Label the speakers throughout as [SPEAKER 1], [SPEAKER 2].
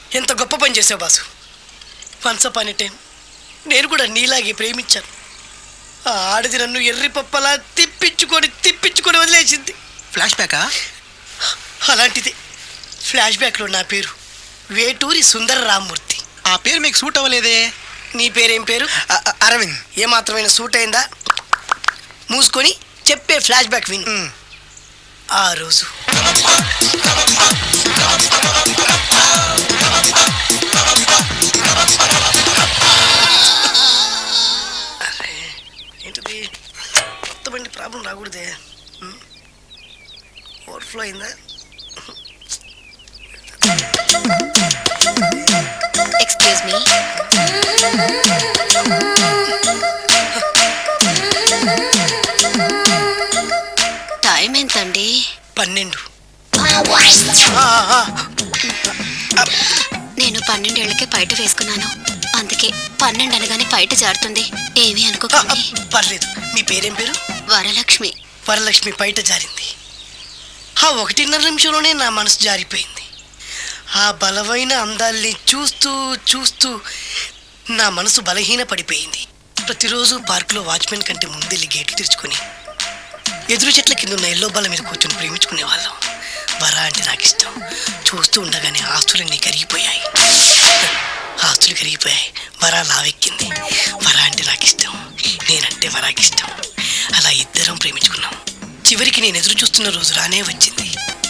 [SPEAKER 1] ఎంత గొప్ప పని చేసావు boss. Once upon a time నేను కూడా నీలాగే ప్రేమించాను. ఆ ఆడది నన్ను ఎర్రి పప్పలా తిప్పించుకొని వదిలేసింది.
[SPEAKER 2] ఫ్లాష్ బ్యాకా?
[SPEAKER 1] అలాంటిది. ఫ్లాష్ బ్యాక్లో నా పేరు వేటూరి సుందర రామ్మూర్తి.
[SPEAKER 2] ఆ పేరు మీకు సూట్ అవ్వలేదే.
[SPEAKER 1] నీ పేరేం పేరు?
[SPEAKER 2] అరవింద్.
[SPEAKER 1] ఏమాత్రమైన సూట్ అయిందా? మూసుకొని చెప్పే ఫ్లాష్ బ్యాక్ విను. ఆ రోజు ఏంటిది? కొత్త బండి ప్రాబ్లం రాకూడదే. ఓవర్ఫ్లో అయిందా?
[SPEAKER 3] Excuse me. టైం ఎంతండి?
[SPEAKER 1] 12.
[SPEAKER 3] నేను 12 ఏళ్ళకే పైట వేసుకున్నాను. అందుకే 12 అనగానే పైట జారుతుంది. ఏమీ అనుకోకండి.
[SPEAKER 1] పర్లేదు. మీ పేరేం పేరు?
[SPEAKER 3] వరలక్ష్మి.
[SPEAKER 1] వరలక్ష్మి పైట జారింది. ఆ 1.5 నిమిషంలోనే నా మనసు జారిపోయింది. ఆ బలమైన అందాల్ని చూస్తూ నా మనసు బలహీన పడిపోయింది. ప్రతిరోజు పార్కులో వాచ్మెన్ కంటే ముందెళ్ళి గేట్లు తెరుచుకొని ఎదురు చెట్ల కింద ఉన్న ఎల్లో బాల మీద కూర్చొని ప్రేమించుకునే వాళ్ళం. వరా అంటే నాకు ఇష్టం. చూస్తూ ఉండగానే ఆస్తులన్నీ కరిగిపోయాయి. వరా లావెక్కింది. వరా అంటే నాకు ఇష్టం, నేనంటే వరాకి ఇష్టం. అలా ఇద్దరం ప్రేమించుకున్నాం. చివరికి నేను ఎదురు చూస్తున్న రోజు రానే వచ్చింది.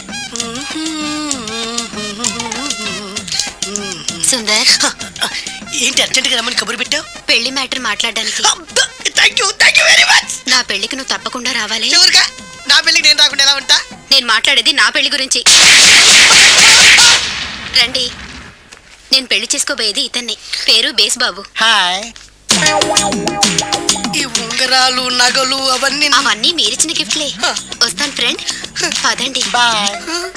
[SPEAKER 3] సుందర్,
[SPEAKER 1] ఏంటి అర్జెంట్గా రమ్మని కబురు పెట్టావు?
[SPEAKER 3] పెళ్లి మ్యాటర్ మాట్లాడడానికి.
[SPEAKER 1] Thank you very much.
[SPEAKER 3] నా పెళ్లికి నువ్వు తప్పకుండా రావాలి.
[SPEAKER 1] ఎవరుగా? నా పెళ్లికి నేను రాకుండా ఎలా ఉంటా?
[SPEAKER 3] నేను మాట్లాడేది నా పెళ్లి గురించి. రండి. నేను పెళ్లి చేసుకోబోయేది ఇతన్ని. పేరు బేస్బాబు.
[SPEAKER 2] హాయ్.
[SPEAKER 1] ఈ ఉంగరాలు నగలు
[SPEAKER 3] అవన్నీ మీరిచ్చిన గిఫ్ట్లే. వస్తాను ఫ్రెండ్. పదండి.
[SPEAKER 2] బాయ్.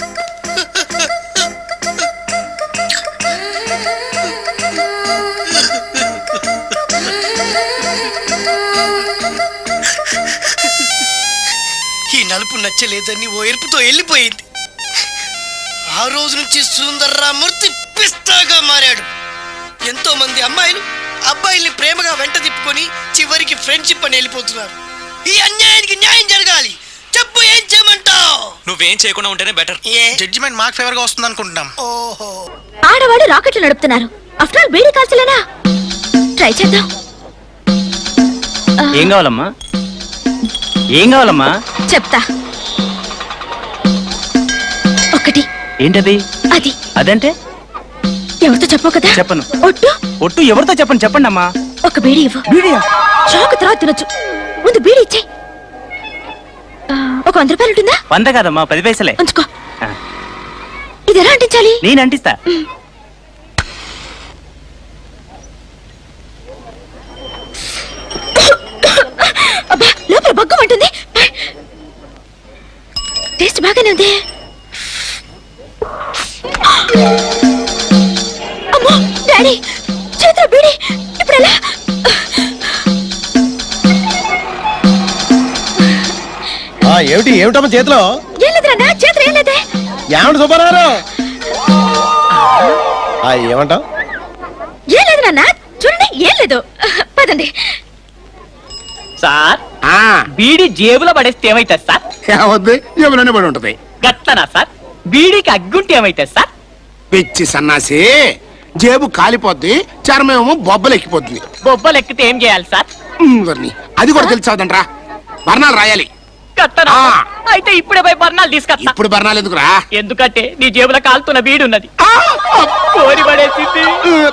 [SPEAKER 1] ఈ నలుపు నచ్చలేదని ఓ ఎరుపుతో వెళ్ళిపోయింది. ఆ రోజు నుంచి సుందర రామ్మూర్తి పిస్తాగా మారాడు. ఎంతో మంది అమ్మాయిలు అబ్బాయిల్ని ప్రేమగా వెంట తిప్పుకొని చివరికి ఫ్రెండ్షిప్ అని వెళ్ళిపోతున్నారు. ఈ అన్యాయానికి న్యాయం జరగాలి. చెప్పు, ఏం చేయమంటావు?
[SPEAKER 4] నువ్వేం చేయకుండా ఉంటేనే బెటర్.
[SPEAKER 2] జడ్జిమెంట్ మాకు ఫేవర్ గా వస్తుంది అనుకుంటున్నాం.
[SPEAKER 1] ఓహో,
[SPEAKER 5] ఆడవాళ్ళు రాకెట్లు నడుపుతున్నారు. ఆఫ్టర్ ఆల్ బీడీ కాల్చలేనా? ట్రై చేద్దాం.
[SPEAKER 6] ఏం కావాలమ్మా?
[SPEAKER 5] చెప్తా. ఒకటి.
[SPEAKER 6] ఏంటది?
[SPEAKER 5] అది.
[SPEAKER 6] అదంటే
[SPEAKER 5] ఎవరితో చెప్పవు కదా?
[SPEAKER 6] చెప్పను.
[SPEAKER 5] ఒట్టు
[SPEAKER 6] ఎవరితో చెప్పండి. చెప్పండి అమ్మా.
[SPEAKER 5] ఒక బీడీ ఇవ్వు.
[SPEAKER 6] బీడియా?
[SPEAKER 5] షాక్ తర్వాత తినొచ్చు. ముందు బీడీ ఇచ్చే. ఒక 100 రూపాయలు ఉంటుందా?
[SPEAKER 6] 100 కాదమ్మా, 10 పైసలే.
[SPEAKER 5] ఉంచుకో. ఇది ఎలా అంటించాలి?
[SPEAKER 6] నేను అంటిస్తా.
[SPEAKER 5] అబ్బా, లోపల బగ్గమంటుంది. టేస్ట్ బాగానే ఉంది. అమ్మో డాడీ, చేతిలో బీడీ. ఇప్పుడు ఎలా?
[SPEAKER 7] ఏమిటమ్మా చేతిలో?
[SPEAKER 5] ఏం లేదురా, చేతిలో ఏం లేదే.
[SPEAKER 7] ఏమంట సుబ్బారావు? ఏమంటావు?
[SPEAKER 5] ఏం లేదు నాన్న, చూడండి, ఏం లేదు. పదండి.
[SPEAKER 6] సార్, బీడీ జేబులో పడేస్తే ఏమైతుంది సార్?
[SPEAKER 7] ఏమవుద్ది? ఏమైనా పడి ఉంటది.
[SPEAKER 6] గట్లనా సార్? బీడీకి అగ్గుంటే ఏమైతుంది సార్?
[SPEAKER 7] పిచ్చి సన్నాసి, జేబు కాలిపోద్ది, చర్మేమో బొబ్బలెక్కిపోతుంది.
[SPEAKER 6] బొబ్బలు ఎక్కితే ఏం చేయాలి సార్?
[SPEAKER 7] అది కూడా తెలిసావుదంట్రా. బర్ణాలు రాయాలి.
[SPEAKER 6] కట్టనా? అయితే ఇప్పుడే పోయి బర్ణాలు తీసుకొస్తా.
[SPEAKER 7] ఇప్పుడు బర్ణాలు ఎందుకురా?
[SPEAKER 6] ఎందుకంటే నీ జేబులో కాలుతున్న బీడి ఉన్నది. కోరి పడేసింది.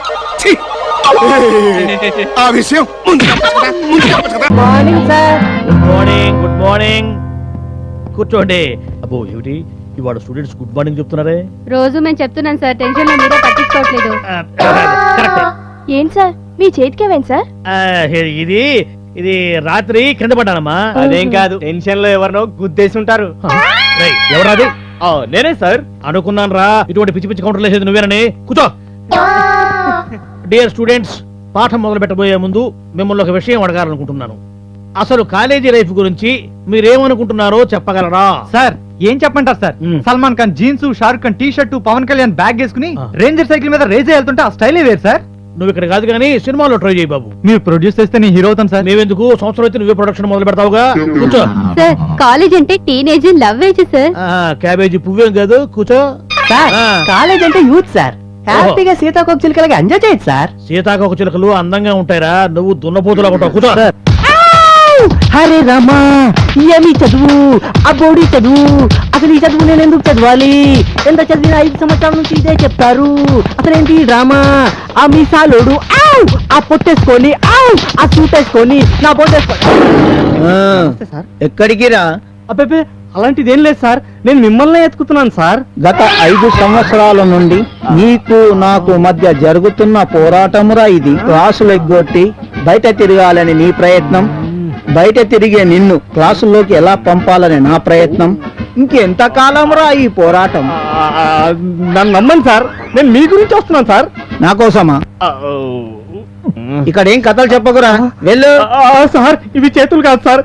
[SPEAKER 7] ఆ విషయం
[SPEAKER 8] మార్నింగ్ సార్. Good morning. కూర్చోండి. అబ్బో, ఏమిటి ఇవాళ స్టూడెంట్స్ గుడ్ మార్నింగ్ చెప్తున్నారే?
[SPEAKER 9] రోజు మేము చెప్తున్నాం సార్, టెన్షన్ లో మీరే పట్టించుకోవట్లేదు.
[SPEAKER 5] ఏంటి సార్, మీ చేతికేమైంది సార్?
[SPEAKER 8] ఇది రాత్రి కింద పడ్డానమ్మా.
[SPEAKER 6] అదేం కాదు, టెన్షన్ లో ఎవరినో గుద్దేసి ఉంటారు.
[SPEAKER 8] ఎవరాది? నేనే సార్. అనుకున్నాను రా, ఇటువంటి పిచ్చి పిచ్చి కౌంటర్లు వేసేది నువ్వేనని. కూర్చో. డియర్ స్టూడెంట్స్, పాఠం మొదలు పెట్టబోయే ముందు మిమ్మల్ని ఒక విషయం అడగాలనుకుంటున్నాను. అసలు కాలేజీ లైఫ్ గురించి మీరేమనుకుంటున్నారో చెప్పగలరా?
[SPEAKER 4] సార్ ఏం చెప్పంటారు sir? Salman Khan jeans, Shahrukh Khan T shirt, Pawan Kalyan bag వేసుకుని రేంజర్ సైకిల్ మీద రేజ్ వెళ్తుంటే ఆ స్టైలే వేరు సార్.
[SPEAKER 8] నువ్వు ఇక్కడ కాదు కానీ సినిమాలో ట్రై చేయి బాబు.
[SPEAKER 4] మీరు ప్రొడ్యూస్ చేస్తే నేను హీరో అవుతాను సార్.
[SPEAKER 8] మేమెందుకు, సంవత్సరం అయితే నువ్వే ప్రొడక్షన్ మొదలు పెడతావుగా. కూర్చో.
[SPEAKER 9] సార్ కాలేజ్ అంటే teenage love age sir.
[SPEAKER 8] Cabbage పువ్వేం కాదు, కూర్చో.
[SPEAKER 6] కాలేజ్ అంటే యూత్ సార్. హ్యాపీగా సీతాకోక చిలుకలకి ఎంజాయ్ చేయొచ్చు సార్.
[SPEAKER 8] సీతాకోక చిలుకలు అందంగా ఉంటాయిరా, నువ్వు దున్నపోతులా ఉంటావు. కూర్చో.
[SPEAKER 6] హరే రామా, ఏమి చదువు, ఆ బోడి చదువు, అసలు ఈ చదువు నేను ఎందుకు చదవాలి? ఎంత చదివిన 5 సంవత్సరాల నుంచి ఇదే చెప్తారు. అసలేంటి డ్రామా? ఆ మీసాలోడు ఆ పొట్టేసుకొని ఆ సూట్ వేసుకొని నా పొట్టేసుకొని
[SPEAKER 4] ఎక్కడికి రా?
[SPEAKER 6] అబ్బే అలాంటిది ఏం లేదు సార్, నేను మిమ్మల్ని ఎత్తుకుతున్నాను సార్.
[SPEAKER 4] గత 5 సంవత్సరాల నుండి నీకు నాకు మధ్య జరుగుతున్న పోరాటమురా ఇది. క్లాసులు ఎగ్గొట్టి బయట తిరగాలని నీ ప్రయత్నం, బయట తిరిగే నిన్ను క్లాసుల్లోకి ఎలా పంపాలని నా ప్రయత్నం. ఇంకెంత కాలంరా ఈ పోరాటం?
[SPEAKER 6] నన్ను నమ్మండి సార్, నేను మీ గురించి వస్తున్నాను సార్.
[SPEAKER 4] నా కోసమా? ఇక్కడ ఏం కథలు చెప్పకురా, వెళ్ళు.
[SPEAKER 6] సార్ ఇవి చేతులు కాదు సార్.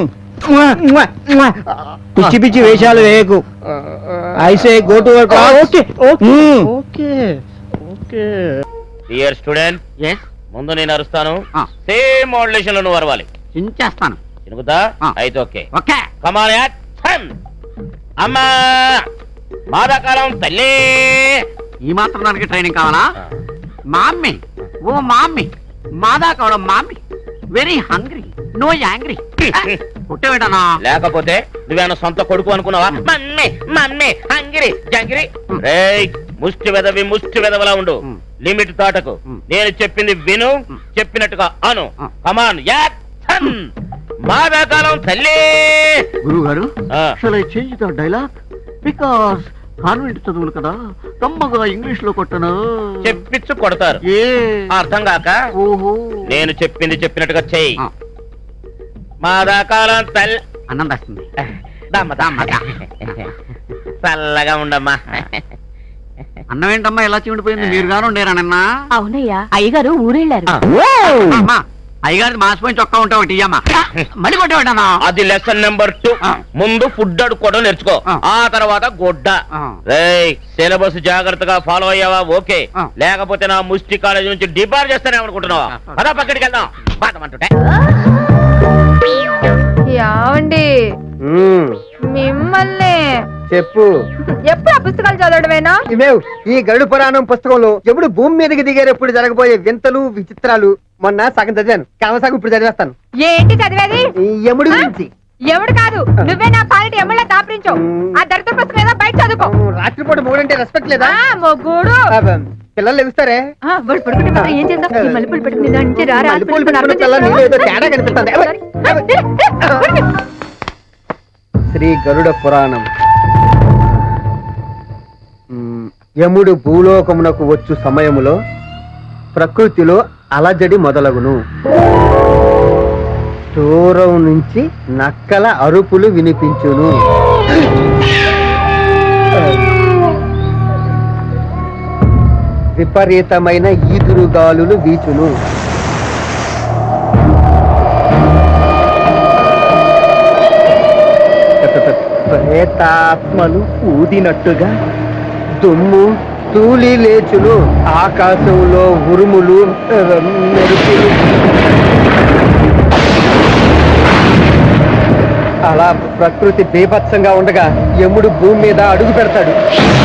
[SPEAKER 4] పిచ్చి పిచ్చి వేషాలు వేయకు. I say go to work.
[SPEAKER 6] Okay okay okay.
[SPEAKER 10] Dear student, ముందు నేను అరుస్తాను, సేమ్ మోడ్యులేషన్ లో నువ్వు అరవాలి.
[SPEAKER 4] చేస్తాను.
[SPEAKER 10] చినుకుతా? అయితే ఓకే.
[SPEAKER 4] ఓకే.
[SPEAKER 10] కమాన్ యాక్షన్. అమ్మా మాదాకాలం తల్లి.
[SPEAKER 4] ఈ మాత్రం దానికి ట్రైనింగ్ కావాలా? మామ్మీ, ఓ మామ్మీ, మాదా కావడం mummy, very hungry, no angry. పుట్టవేటనా?
[SPEAKER 10] లేకపోతే నువ్వేమన్నా సొంత కొడుకు అనుకున్నావా? మమ్మీ మమ్మీ హంగిరి జంగిరి. రేయ్ ముష్టి వెదవలా ఉండు, లిమిట్ దాటకు. నేను చెప్పింది విను, చెప్పినట్టుగా అను. కమాన్ యాక్షన్. మాదాకాలం తల్లి.
[SPEAKER 4] గురువు గారు, shall I change the dialogue? Because convent చదువులు కదా, కమ్మగా ఇంగ్లీష్ లో కొట్టను.
[SPEAKER 10] చెప్పించు కొడతారు, అర్థం కాక.
[SPEAKER 4] ఓహో,
[SPEAKER 10] నేను చెప్పింది చెప్పినట్టుగా చెయ్యి. మాదాకాలం తల్లి.
[SPEAKER 4] అన్నం వస్తుంది.
[SPEAKER 10] చల్లగా ఉండమ్మా.
[SPEAKER 4] అన్నం ఏంటమ్మా ఎలా చీమిడిపోయింది? మీరు గాను ఉండేరా నిన్న?
[SPEAKER 5] అవునయ్యా, అయ్యగారు ఊరెళ్ళారు.
[SPEAKER 4] అయ్యగారి మాసిపోయిన చొక్కా ఉంటా ఒకటి ఇయ్యమ్మా. మళ్ళీ కొట్టేవాడన్నా?
[SPEAKER 10] అది లెసన్ నెంబర్ 2. ముందు ఫుడ్ అడుక్కోవడం నేర్చుకో, ఆ తర్వాత గుడ్డ. రేయ్ సిలబస్ జాగ్రత్తగా ఫాలో అయ్యావా? ఓకే, లేకపోతే నా ముష్టి కాలేజ్ నుంచి డిబార్ చేస్తానే అనుకుంటున్నావా? పదా పక్కడికి వెళ్దాం. బాధమంటుంటే
[SPEAKER 9] యావండి మిమ్మల్ని
[SPEAKER 6] చెప్పు.
[SPEAKER 9] ఎప్పుడు ఆ పుస్తకాలు చదవడమేనా?
[SPEAKER 6] ఇవేవ్ ఈ గరుడ పురాణం పుస్తకంలో ఎప్పుడు భూమి మీదకి దిగేటప్పుడు జరగబోయే వింతలు విచిత్రాలు మొన్న సగం చదివాను, కామసాగం ఇప్పుడు చదివేస్తాను.
[SPEAKER 9] ఏంటి చదివేది?
[SPEAKER 6] ఈ యముడి గురించి.
[SPEAKER 9] ఎవడు కాదు, నువ్వే నా పాలిటి ఎమ్మెల్యే దాపరించావు. ఆ దరిద్ర పుస్తకం ఏదో బయట చదువుకో.
[SPEAKER 6] రాత్రిపూట మూడంటే రెస్పెక్ట్ లేదా?
[SPEAKER 9] మొగ్గుడు
[SPEAKER 6] పిల్లలు లెగుస్తారే?
[SPEAKER 9] వాడు పడుకుంటే మాత్రం ఏం చేద్దాం? ఈ మల్లెపూలు పెట్టుకుని దాని నుంచి రారా?
[SPEAKER 6] మల్లెపూలు పెట్టుకున్న పిల్లలు నీలో ఏదో తేడా కనిపిస్తుంది. శ్రీ గరుడ పురాణం. యముడు భూలోకమునకు వచ్చు సమయములో ప్రకృతిలో అలజడి మొదలగును. దూరం నుంచి నక్కల అరుపులు వినిపించును. విపరీతమైన ఈదురుగాలులు వీచును. ప్రేతాత్మలు ఊదినట్టుగా దుమ్ము తూలి లేచును. ఆకాశంలో ఉరుములు మెరుపులు. అలా ప్రకృతి బీభత్సంగా ఉండగా యముడు భూమి మీద అడుగు పెడతాడు.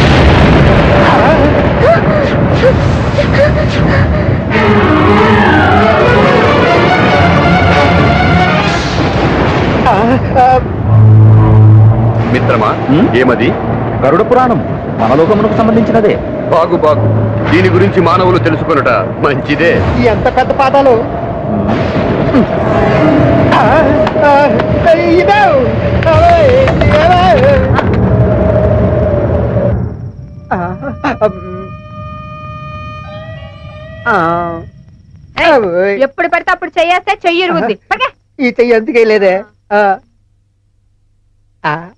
[SPEAKER 7] మిత్రమా, ఏమది?
[SPEAKER 4] గరుడ పురాణం మన లోకమునకు సంబంధించినదే.
[SPEAKER 7] బాగు బాగు, దీని గురించి మానవులు తెలుసుకొనుట మంచిదే.
[SPEAKER 6] ఎంత పెద్ద పాదాలు!
[SPEAKER 9] ఎప్పుడు పడితే అప్పుడు చెయ్యేస్తే చెయ్యి ఇరుగుద్ది.
[SPEAKER 6] ఈ చెయ్యి ఎందుకే లేదే?